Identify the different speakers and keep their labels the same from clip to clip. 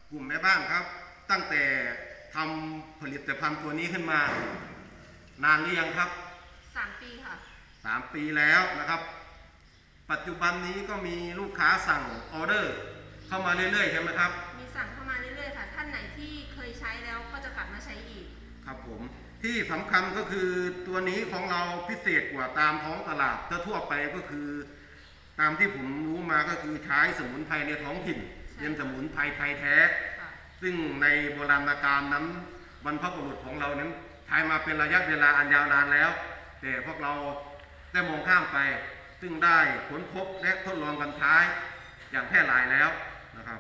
Speaker 1: กลุ่มแม่บ้านครับตั้งแต่ทำผลิตภัณฑ์ตัวนี้ขึ้นมานานหรือยังครับ
Speaker 2: 3 ปีค่ะ
Speaker 1: 3 ปีแล้วนะครับปัจจุบันนี้ก็มีลูกค้าสั่งออเดอร์เข้ามาเรื่อยๆใช่ไหมครับ
Speaker 2: มีสั่งเข้ามาเรื่อยๆค่ะท่านไหนที่เคยใช้แล้วก็จะกลับมาใช้อีก
Speaker 1: ครับผมที่สำคัญก็คือตัวนี้ของเราพิเศษกว่าตามท้องตลาดทั่วไปก็คือตามที่ผมรู้มาก็คือใช้สมุนไพรในท้องถิ่นเป็นสมุนไพรไทยแท้ซึ่งในโบราณกาลนั้นบรรพบุรุษของเรานั้นใช้มาเป็นระยะเวลาอันยาวนานแล้วแต่พวกเราได้มองข้ามไปซึ่งได้ค้นพบและทดลองกันใช้อย่างแพร่หลายแล้วนะครับ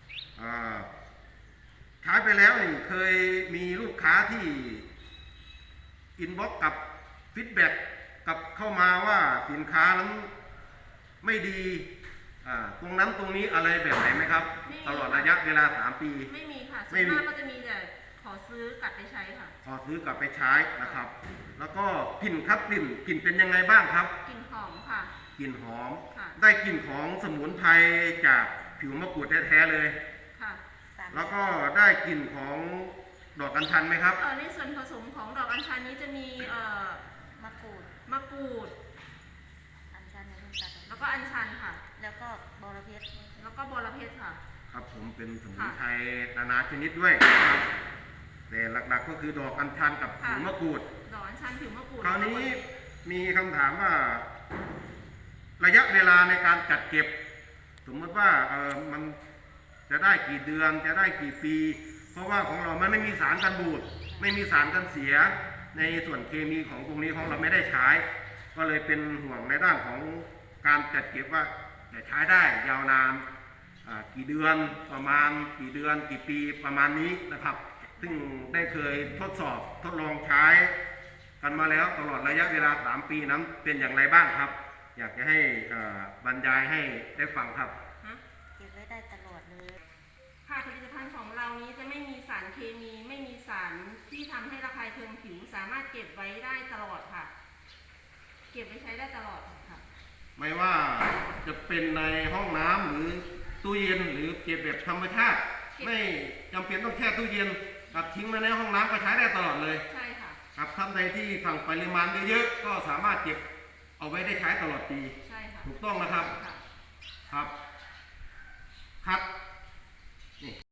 Speaker 1: ใช้ไปแล้วนี่เคยมีลูกค้าที่อินบ็อกซ์กับฟีดแบ็กกับเข้ามาว่าสินค้านั้นไม่ดีตรงนั้นตรงนี้อะไรแบบไหนไหมครับตลอดระยะเวลา3 ปี
Speaker 2: ไม่มีค่ะส่วนมากก็จะมีแต่ขอซื้อกลับไปใช้ค่ะ
Speaker 1: ขอซื้อกลับไปใช้นะครับแล้วก็กลิ่นครับกลิ่นเป็นยังไงบ้างครับ
Speaker 2: กลิ่นหอมค่ะ
Speaker 1: กลิ่นหอมได้กลิ่นของสมุนไพรจากผิวมะกรูดแท้ๆเลย
Speaker 2: ค่ะ
Speaker 1: แล้วก็ได้กลิ่นของดอกอัญชันไหมครับ
Speaker 2: ในส่วนผสมของดอกอัญชันนี้จะมีมะกรูดอัญชันแล้วก็อัญชันค่ะแล้วก็บอระเพ็ดค่ะ
Speaker 1: ครับผมเป็นสมุนไพรนานาชนิดด้วยครับแต่หลักๆก็คือดอกอัญชันกับผิวมะกรูด
Speaker 2: ดอกอัญชันผิวมะกรูด
Speaker 1: คราวนี้มีคำถามว่าระยะเวลาในการจัดเก็บสมมติว่ามันจะได้กี่เดือนจะได้กี่ปีเพราะว่าของเรามันไม่มีสารกันบูดไม่มีสารกันเสียในส่วนเคมีของตรงนี้ของเราไม่ได้ใช้ก็เลยเป็นห่วงในด้านของการจัดเก็บว่าจะใช้ได้ยาวนานกี่เดือนประมาณกี่เดือนกี่ปีประมาณนี้นะครับซึ่งได้เคยทดสอบทดลองใช้กันมาแล้วตลอดระยะเวลา3 ปีนั้นเป็นอย่างไรบ้างครับอยากจะให้บรรยายให้ได้ฟังครับ
Speaker 2: เก็บไว้ได้ตลอดเลยค่ะผลิตภัณฑ์ของเรานี้จะไม่มีสารเคมีไม่มีสารที่ทำให้ระคายเคืองผิวสามารถเก็บไว้ได้ตลอดค่ะเก็บไว้ใช้ได้ตลอดค่ะ
Speaker 1: ไม่ว่าจะเป็นในห้องน้ำหรือตู้เย็นหรือเก็บแบบธรรมชาติไม่จำเป็นต้องแช่ตู้เย็นกับทิ้งไว้ในห้องน้ำก็ใช้ได้ตลอดเลย
Speaker 2: ใช่ค่ะ
Speaker 1: ครับท่านใดที่สั่งปริมาณเยอะๆก็สามารถเก็บเอาไว้ได้ใช้ตลอดปี
Speaker 2: ใช่ค่ะ
Speaker 1: ถูกต้องนะครับครับครับนี่